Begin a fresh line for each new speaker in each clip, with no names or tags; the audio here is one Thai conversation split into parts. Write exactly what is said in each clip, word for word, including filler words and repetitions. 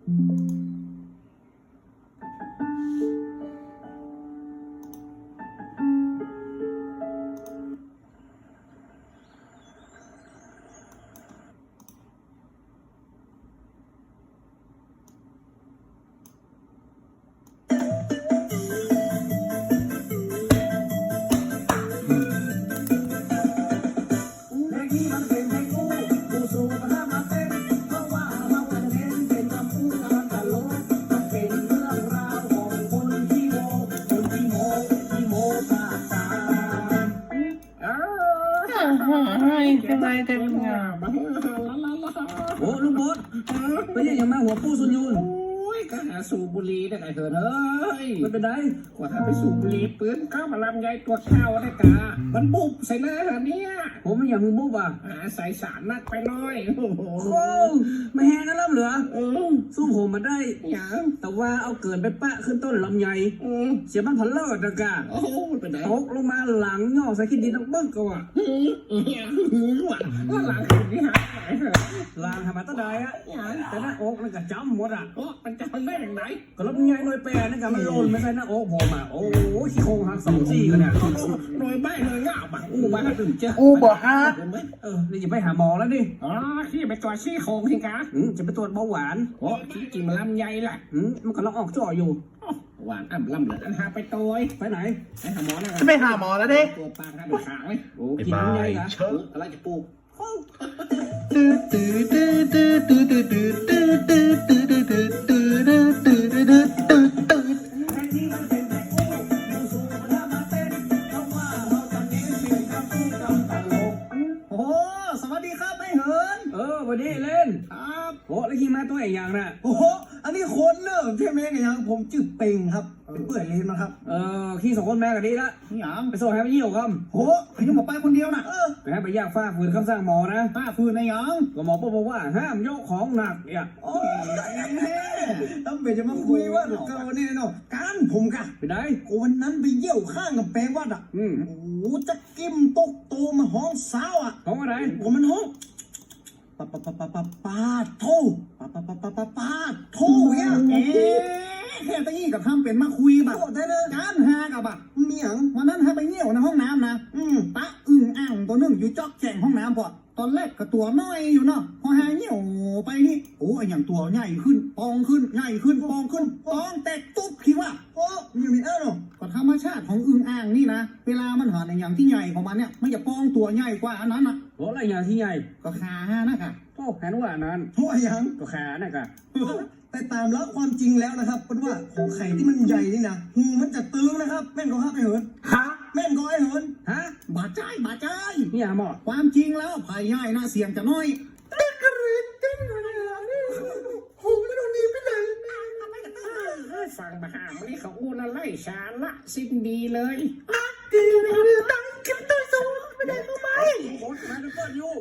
ทำไมกันงามโอ้ลุงบดไปยังยังมาหัวปูสุนยูน
ก็หาสูบบุหรี่ได้ไงเถอะเฮ้ย
มันเป็นไร
กว่าถ้าไปสูบบุหรี่ปืนเข้ามาลำไยตัวข้าวได้กามันบุบใส่หน้าเนี่ย
ผมไม่อยากมึงบุบอ่ะ
หาใส่สารนักไปหน่อย
โอ้โหไม่แห้งนะล่ำเหลือสู้ผมมันได้
อย่าง
แต่ว่าเอาเกินไปปะขึ้นต้นลำไยเสียบ้านพันเลิศนะกะ
โอ้เป็นไร
ตกลงมาหลังย่อใส่ขี้ดินต้องเบิ้งก็ว่ะ
ว่าหลังขี้ดินหายไปเหรอ
หลังทำมาตั้งได้อะแต่หน้าอกมันก็จำหมดอ่ะ
โอ้มันจำได้อย่างไร
ก็ลำไยหน่วยแปรนั่นกันมันโลนไม่ใช่หน้าอกผมอ่ะโอ้ขี้โคงหักสองซี่กันเนี่ย
หน่วยใบหน่วยง่าบังอู้บ้าถึงเจ้า
อู้บ่ฮะเออนี่จะไปหาหมอแล้วดิ
อ๋อขี้ไปตรวจซี่โครงสิคะ
จะไปตรวจเบาหวาน
โอ้ขี้กินมันลำไยแหละ
มันกำลังออกจ่ออยู่
หวานอ่ำลำเหลืออันหาไปตัว
ไปไหน
ไปหาหมอแล้ว
ไปหาหมอแล้วดิ
ตัวปลาหน้าเป็นขางเลย
โอ้กินลำไยเหรอ
อะไรจะปลูก
ตื้อตื้อตื้อตื้อตื้อตื้อตื้อตื้อตื้อตื้อตื้อตื้อตื้อตื้อตื้อตื้อตื้อตื้อ
โอ้สวัสดีครับไม่เหิน
เออวันนี้เล่น
ครับ
โอ้แล้วขี่มาตัวอย่างน่ะ
โอ้โหอันนี้คนเนอะเท่แม่กันยังผมจืดเป่งครับเป็นเปื่อยเลนมาครับ
เออขี่สองคนแม่กันดีละ
นี่ยัง
ไปส่งให้ไปเยี่ยวครับ
โอ้ไปยังหมอไปคนเดียวนะเออ
ไปให้ไปย่างฟ้าฝืนคำสั่งหมอนะ
ฟ้าฝืนในยัง
ก็หมอบอกว่าห้ามยกของหนักเนี่ย
โอ้ยต้องไปจะมาคุยว่าเก่าเนี่ยเนาะการผมกะ
ไปไหน
วันนั้นไปเยี่ยวข้างกับแปลงวัดอ่ะ
อืม
โอ้จะกิ้มตกโตมาห้องสาวอ่ะ
ห้องอะไร
ผมมันห้องปาปาปาปาปาปาโทปาปาปาปาปาปาโทเนี่ยเอ๊ะแค่ตะกี้กับทำเป็นมาคุยแบบได้เลยการหากับแบบเมียงวันนั้นให้ไปเยี่ยวในห้องน้ำนะอืมปะอึ่งอ่างตัวนึงอยู่จอกแข่งห้องน้ำพอตอนแรกกับตัวน้อยอยู่เนาะพอหาเยี่ยวไปนี่โอ้ยอย่างตัวใหญ่ขึ้นปองขึ้นใหญ่ขึ้นปองขึ้นปองแตกตุ๊บคิดว่าโอ้อยู่นี่เออเนาะก็ธรรมชาติของอึ่งอ่างนี่นะเวลามันหาในอย่างที่ใหญ่ของมันเนี่ยมันจะปองตัวใหญ่กว่าอันนั้นนะ
โอ้อะไรอย่างที่ใหญ่
ก็ขานะค่ะ
โอ้แผนว่านั้น
โอ้ยัง
ก็ขานะค่ะ
แต่ตามแล้วความจริงแล้วนะครับเป็นว่าของไข่ที่มันใหญ่นี่นะหูมันจะตึงนะครับแม่นก็ห้าไปเหิน
ฮะ
แม่นก็ไอเหิน
ฮะ
บาดใจบาดใจ
นี่หมอ
ความจริงแล้วภายใหญ่นะเสียงจะน้อยตึ้งกระรินตึ้งหูไม่โดนดีไปเลยฟังมาหาวันนี้เขาอู้น่าไล่ชาละสิ้นดีเลย
ดีเลยตั้งกินตัวสูงไม่ได้ทำไม
โอ้ยมาจะเปิดอยู่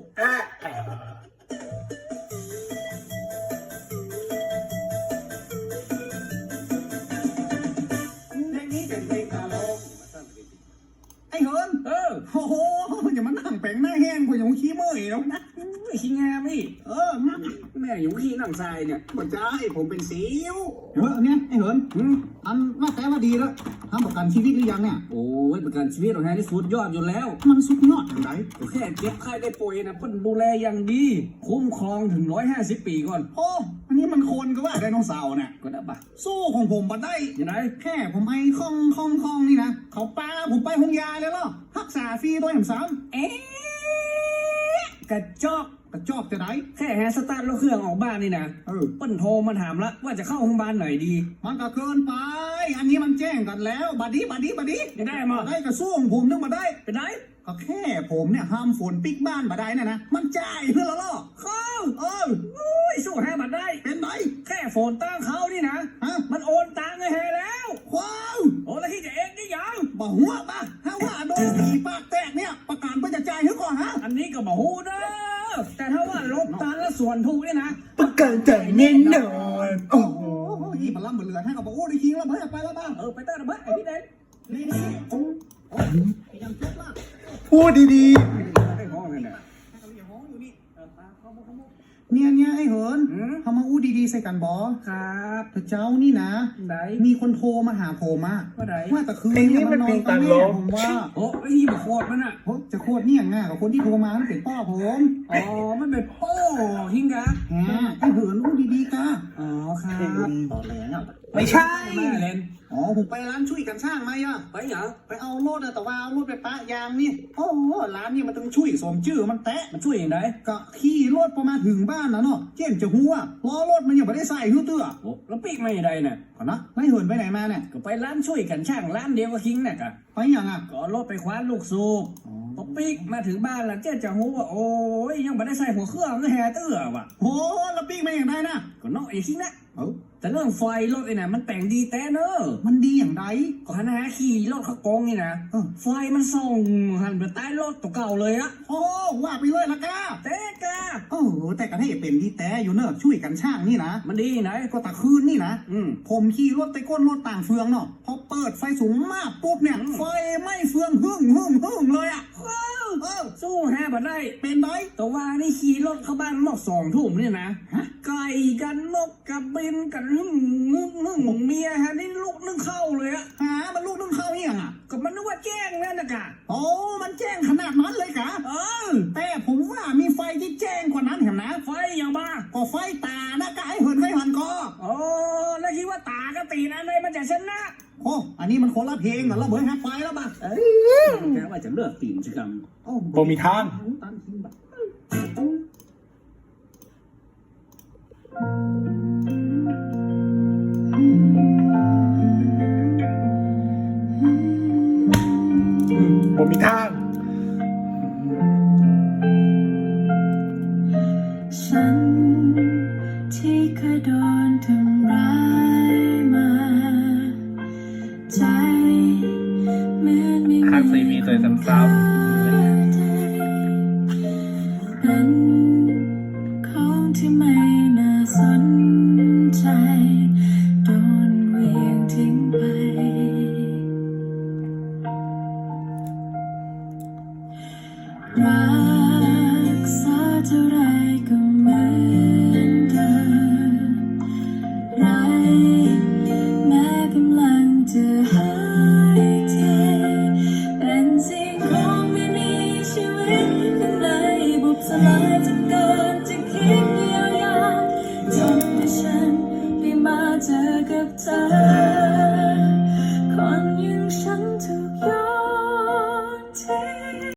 ไอ้เหิน
เออ
โอ้โหอย่ามานั่งแปลงหน้าแห้งกว่าอย่างขี้เมื่อยแล้วนะ
ขี้งามนี่
เออ
แม่อยู่ขี้นั่งทรายเนี่ย
หัวใจผมเป็นสิวเออเนี่ยไอ้เหินอันว่าแต่ว่าดีแล้วทำประกันชีวิตหรือยังเนี่ย
โอ้ยประกันชีวิตของแฮนี่สุดยอดอยู่แล้ว
มันสุดยอดอย่างไร
แค่เจ็บไข้ได้ป่วยนะเพิ่นดูแลอย่างดีคุ้มครองถึงร้อยห้าสิบปีก่อน
โอ้อันนี้มันโคนก็ว่าไดโนเสาร์เนี่ย
ก็ได้ปะ
สู้ของผมบัดได้
ยังไง
แค่ผมไอ้คล่องคล่องคล่องนี่นะเขาปาผมไปห้องยาเลยล่ะรักษาฟรีตัวอย่างซ้ำ
เอ๊ะกระจอก
กระจอกจะไหน
แค่แฮสตาร์ทรถเครื่องออกบ้านนี่นะ
เออ
เปิ้นโทรมาถามละว่าจะเข้าโรงพยาบาลไหนดี
มันก็เกินไปอันนี้มันแจ้งกันแล้วบัดดี้บัดดี้บัดดี้
จะได้มา
ได้กระสู้ของผมนึกมาได้
เป็นไง
ก็แค่ผมเนี่ยห้ามฝนปิกบ้านมาได้นะนะมันจ่ายเพื่อละล่อ
เข้า
เออ
โอ้ยสู้แฮบัดได้
เป็นไร
แค่ฝนตั้งเขานี่นะ
ฮะ
มันโอนตังค์ให้แล้ว
ว้าว
โอ้แล้วที่จะเองได้ยัง
บ่หัวป่ะถ้าว่าโดนผีปากแตกเนี่ยประกันเพื่อจะจ่ายให้ก่อนฮะ
อันนี้ก็บ่ฮู้นะแต่ถ้าว่าลบตันแล้วส่วนถูกนี่นะ
ประกันจ่ายแน่นอนโอ้โหยี่ปลาล่ำเหลือให้กับบอกโอ้ได้คิงแล้วเพื่อไปแล้วบ้าง
เออไปเต้นระเบิดไอ้พี่เด่น
นี่นี่โอ้ยังจบละ
พูดดีๆให้ห้องเลยนะให้เขาอย่าห้องอยู่นี่เออตาเขาโมเขาโม
เนี่ยเนี่ยไอ้เหิน
อืม
ทำมาอู้ดีๆใส่กันบอ
ครับ
แต่เจ้านี่นะ
ไหน
มีคนโทรมาหาผมอะ
ว่าไหน
ว่าแต่คืน
เพลงนี้มันเพลงตังโล
ผมว่า
โอ้ไอ้ที่มาโคตรมันอ่ะ
โหจะโคตรเนี่ยง่ายกับคนที่โทรมามันเป็นป้าผม
อ๋อมันเป็นโป้ฮิงกะ
แหมไอ้เหินอู้ดีๆกะ
อ๋อครับ
ตอนแรงอ่ะ
ไม่ใช่
แม่เลน
อ๋อผมไปร้านช่วยกันช่างมาอ่ะ
ไปเหรอ
ไปเอารถอะแต่ว่าเอารถไปปะยางนี่โอ้โหร้านนี่มันต้องช่วยสมชื่อมันแตะ
มันช่วยอย่างไร
ก็ขี่รถประมาณถึงบ้านนะเนาะเจ๊นจะหัวล้อรถมันยังไม่ได้ใส่หิ้วเตื้อ
โอ้แล้วปีกไม่ได้น่ะ
ก่อนนะไม่เหินไปไหนมาเนี่ย
ก็ไปร้านช่วยกันช่างร้านเดียวกับฮิงน่ะกะ
ไปอย่างอ่ะ
ก็เอารถไปคว้านลูกสูบพอปีกมาถึงบ้านแล้วเจ๊จะหูว่าโอ้ยยังไม่ได้ใส่หัวเครื่องก็แห่เตื้อว่ะ
โหแล้วปีกมาอย่างไรนะ
ก็น้องไอ้ฮิงนะ
เอ้า
แต่เรื่องไฟรถไอ้น่ะมันแต่งดีแต่เนอะ
มันดีอย่างไร
ก่อนนะขี่รถเขาโกงนี่นะ
เออ
ไฟมันส่องหันไปใต้รถตัวเก่าเลยอะ
โอ้ว่าไปเลยละกา
เต๊กะ
โอ้แต่กันให้เป็นที่แต่อยู่เนอะช่วยกันช่างนี่นะ
มันดีไหน
ก็ตะคืนนี่นะ
อืม
ผมขี่รถไปก้นรถต่างเฟืองเนาะพอเปิดไฟสูงมากปุ๊บเนี่ย
อืม
ไฟไหม้เฟืองหึ่งหึ่งหึ่งเลยอ่ะ
ว้าว
เออ
สู้แฮบัดได้
เป็นไร
แต่ว่านี่ขี่รถเข้าบ้านหมอกสองทุ่มเนี่ยนะไก่กันนกกับบินกันหึ่งหึ่งหึ่งเมียฮะนี่ลูกนึ่งเข้าเลยอะ
หามันลูกนึ่งเข้าเนี่ยงอ่ะ
ก็มันนึกว่าแจ้งนั่นนะกะ
โอ้มันแจ้งขนาดนั้นเลยกะ
เออ
แต่ผมว่ามีไฟที่แจ้งกว่านั้นเห็นนะ
ไฟอย่างบ้า
ก็ไฟตานะกะไอ้เหินไฟหันกอ
โอ้แล้วคิดว่าตากตีนะในมันจะชนะ
โอ้อันนี้มันคนละเพลงเหรอเราเบิร์ดฮักไฟแล้วป่ะ
เอ้ยแกว่าจะเลือกตีนชิกรรม
โอ้
บ่มีทาง
ตันทิ้งแบบ
บ่มีทาง
ฉันที่เคยโดนทำร้ายมา ใจเหมือนไม่
หักใส่มีตัวซ้ำ
เป็นของที่ไม่น่าสนใจ โดนเหวี่ยงทิ้งไป รักษาเท่าไรก็